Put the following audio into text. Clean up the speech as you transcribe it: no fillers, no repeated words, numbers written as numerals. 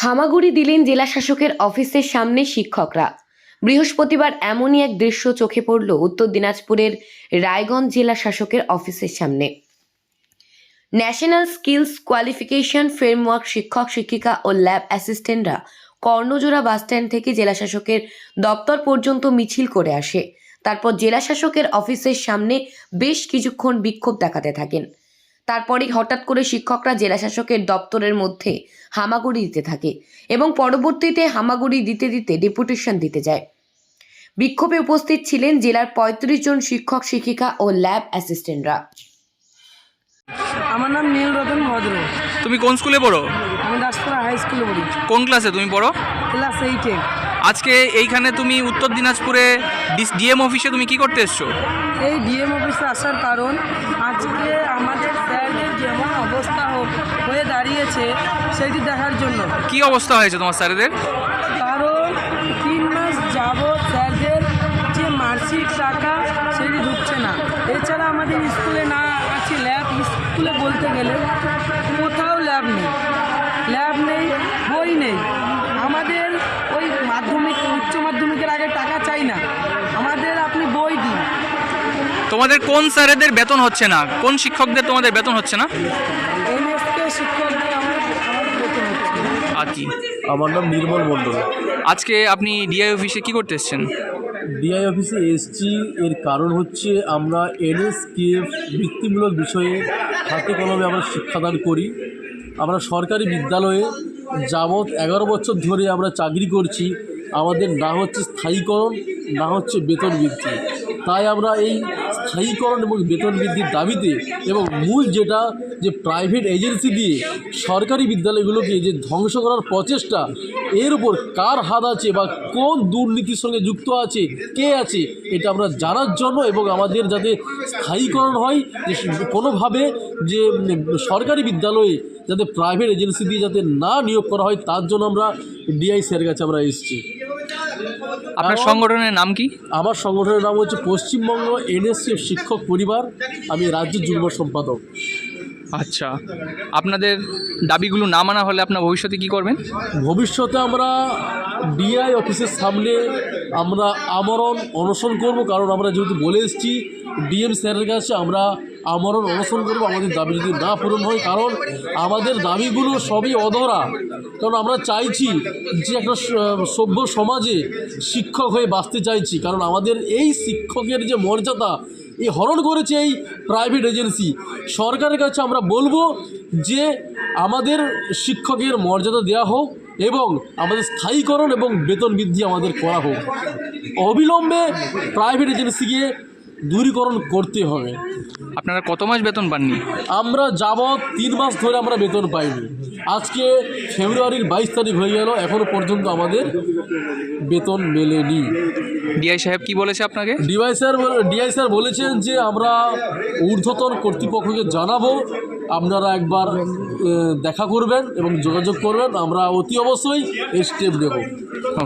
হামাগুড়ি দিলেন জেলা শাসকের অফিসের সামনে শিক্ষকরা। বৃহস্পতিবার এমনই এক দৃশ্য চোখে পড়ল উত্তর দিনাজপুরের রায়গঞ্জ জেলা শাসকের অফিসের সামনে। ন্যাশনাল স্কিলস কোয়ালিফিকেশন ফ্রেমওয়ার্ক শিক্ষক শিক্ষিকা ও ল্যাব অ্যাসিস্ট্যান্টরা কর্ণজোড়া বাসস্ট্যান্ড থেকে জেলা শাসকের দপ্তর পর্যন্ত মিছিল করে আসে। তারপর জেলা শাসকের অফিসের সামনে বেশ কিছুক্ষণ বিক্ষোভ দেখাতে থাকেন। তারপরেই হঠাৎ করে শিক্ষকরা জেলা শাসকের দপ্তরের মধ্যে হামাগুড়ি দিতে থাকে এবং পরবর্তীতে হামাগুড়ি দিতে দিতে ডেপুটেশন দিতে যায়। বিক্ষোভে উপস্থিত ছিলেন জেলার ৩৫ জন শিক্ষক শিক্ষিকা ও ল্যাব অ্যাসিস্ট্যান্টরা। আমার নাম নীল রতন ভদ্র। তুমি কোন স্কুলে পড়ো? আমি দাসপুরা হাই স্কুলে পড়ি। কোন ক্লাসে তুমি পড়ো? ক্লাস 8-এ। আজকে এইখানে তুমি উত্তর দিনাজপুরে ডিএম অফিসে তুমি কি করতে এসছো? এই ডিএম অফিসে আসার কারণ আজকে আমাদের স্যারদের যেমন অবস্থা হয়ে দাঁড়িয়েছে সেটি দেখার জন্য। কি অবস্থা হয়েছে তোমার স্যারেদের? কারণ 3 মাস যাবৎ স্যারদের যে মার্কশিট টাকা সেটি ঢুকছে না। এছাড়া আমাদের স্কুলে না আছে ল্যাব। স্কুলে বলতে গেলে কোথাও ল্যাব নেই, বই নেই। আমাদের ওই মাধ্যমিক উচ্চ মাধ্যমিকের আগে টাকা চাই না, আমাদের আপনি বই দিন। তোমাদের কোন স্যারেদের বেতন হচ্ছে না? কোন শিক্ষকদের তোমাদের বেতন হচ্ছে না? এমএসকে শিক্ষকদের আমাদের বেতন হচ্ছে না। আর কি? আমার নাম নির্মল মণ্ডল। আজকে আপনি ডিআই অফিসে কি করতে এসছেন? ডিআই অফিসে এসছি, এর কারণ হচ্ছে আমরা এনএসকেএফ বৃত্তিমূলক বিষয়ে হাতে কলমে আমরা শিক্ষাদান করি। আমরা সরকারি বিদ্যালয়ে যাবৎ 11 বছর ধরে আমরা চাকরি করছি। আমাদের না হচ্ছে স্থায়ীকরণ, না হচ্ছে বেতন বৃদ্ধি। তাই আমরা এই স্থায়ীকরণ এবং বেতন বৃদ্ধির দাবিতে এবং মূল যেটা যে প্রাইভেট এজেন্সি দিয়ে সরকারি বিদ্যালয়গুলোকে যে ধ্বংস করার প্রচেষ্টা, এর উপর কার হাত আছে বা কোন দুর্নীতির সঙ্গে যুক্ত আছে, কে আছে, এটা আমরা জানার জন্য এবং আমাদের যাতে স্থায়ীকরণ হয়, যে কোনোভাবে যে সরকারি বিদ্যালয়ে যাতে প্রাইভেট এজেন্সি দিয়ে যাতে না নিয়োগ করা হয়, তার জন্য আমরা ডিআই স্যারের কাছে আমরা এসেছি। আপনার সংগঠনের নাম কি? আমার সংগঠনের নাম হচ্ছে পশ্চিমবঙ্গ এনএসকেএফ শিক্ষক পরিবার। আমি রাজ্য যুগ্ম সম্পাদক। আচ্ছা, আপনাদের দাবিগুলো না মানা হলে আপনার ভবিষ্যতে কি করবেন? ভবিষ্যতে আমরা ডিআই অফিসের সামনে আমরা আমরণ অনশন করব, কারণ আমরা যেহেতু বলে এসেছি ডিএম স্যারের কাছে আমরা আমরণ অনশন করব আমাদের দাবি যদি না পূরণ হয়। কারণ আমাদের দাবিগুলো সবই অধরা। কারণ আমরা চাইছি যে একটা সভ্য সমাজে শিক্ষক হয়ে বাঁচতে চাইছি। কারণ আমাদের এই শিক্ষকের যে মর্যাদা এই হরণ করেছে এই প্রাইভেট এজেন্সি। সরকারের কাছে আমরা বলবো যে আমাদের শিক্ষকের মর্যাদা দেওয়া হোক এবং আমাদের স্থায়ীকরণ এবং বেতন বৃদ্ধি আমাদের করা হোক। অবিলম্বে প্রাইভেট এজেন্সিকে দূরীকরণ করতে হবে। আপনারা কত মাস বেতন পাননি? আমরা যাবৎ 3 মাস ধরে আমরা বেতন পাইনি। আজকে ফেব্রুয়ারির 22 তারিখ হয়ে গেল, এখনও পর্যন্ত আমাদের বেতন মেলেনি। ডিআই সাহেব কি বলেছে আপনাকে? ডিআই স্যার বলেছেন যে আমরা ঊর্ধ্বতন কর্তৃপক্ষকে জানাবো, আপনারা একবার দেখা করবেন এবং যোগাযোগ করবেন। আমরা অতি অবশ্যই এই স্টেপ নেব।